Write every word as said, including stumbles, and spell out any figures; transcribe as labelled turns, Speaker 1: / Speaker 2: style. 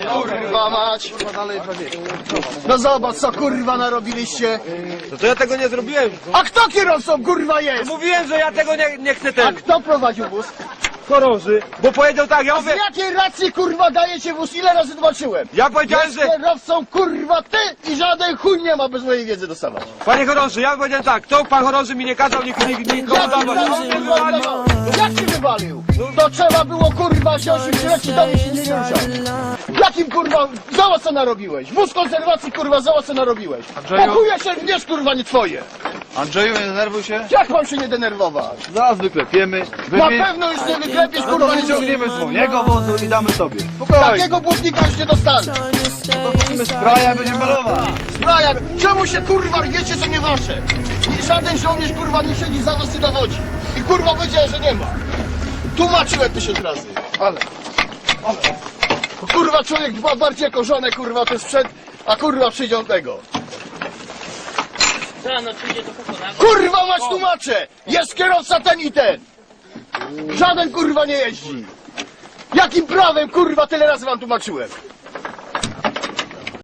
Speaker 1: Kurwa mać! No zobacz co kurwa narobiliście!
Speaker 2: No to ja tego nie zrobiłem.
Speaker 1: A kto kierowcą kurwa jest?
Speaker 2: Mówiłem, że ja tego nie, nie chcę
Speaker 1: A
Speaker 2: ten.
Speaker 1: kto prowadził wóz?
Speaker 2: Chorąży. Bo powiedział tak, ja
Speaker 1: Z
Speaker 2: mówię.
Speaker 1: jakiej racji kurwa dajecie wóz? Ile razy zobaczyłem?
Speaker 2: Ja powiedziałem,
Speaker 1: Jest
Speaker 2: że.
Speaker 1: kierowcą kurwa ty i żaden chuj nie ma bez mojej wiedzy dostawać.
Speaker 2: Panie chorąży, ja powiedziałem tak, to pan chorąży mi nie kazał nikomu nikomu
Speaker 1: Jak
Speaker 2: dawać.
Speaker 1: Jak się wywalił? To trzeba było kurwa się ośmiolecia do mnie się nie ruszał. Jakim kurwa, zobacz co narobiłeś? Wóz konserwacji kurwa, zobacz co narobiłeś. Pokuje się, wiesz kurwa nie twoje.
Speaker 3: Andrzeju, nie denerwuj się.
Speaker 1: Jak mam się nie denerwować?
Speaker 3: Zaraz wyklepiemy.
Speaker 1: Na pewno już nie wyklepiesz
Speaker 3: No
Speaker 1: kurwa
Speaker 3: to
Speaker 1: nic.
Speaker 3: wyciągniemy swojego wozu i damy sobie. Spokojnie.
Speaker 1: Takiego błotnika już nie dostanę.
Speaker 3: Musimy spraja, będziemy malować.
Speaker 1: Brian, czemu się kurwa wiecie co nie wasze? I żaden żołnierz kurwa nie siedzi za was i dowodzi. I kurwa powiedział, że nie ma. Tłumaczyłem tysiąc razy. Ale. Ale. Kurwa człowiek dba bardziej jako żonę kurwa ten sprzęt, a kurwa przyjdzie on tego. Kurwa mać tłumaczę! Jest kierowca ten i ten! Żaden kurwa nie jeździ! Jakim prawem kurwa tyle razy wam tłumaczyłem?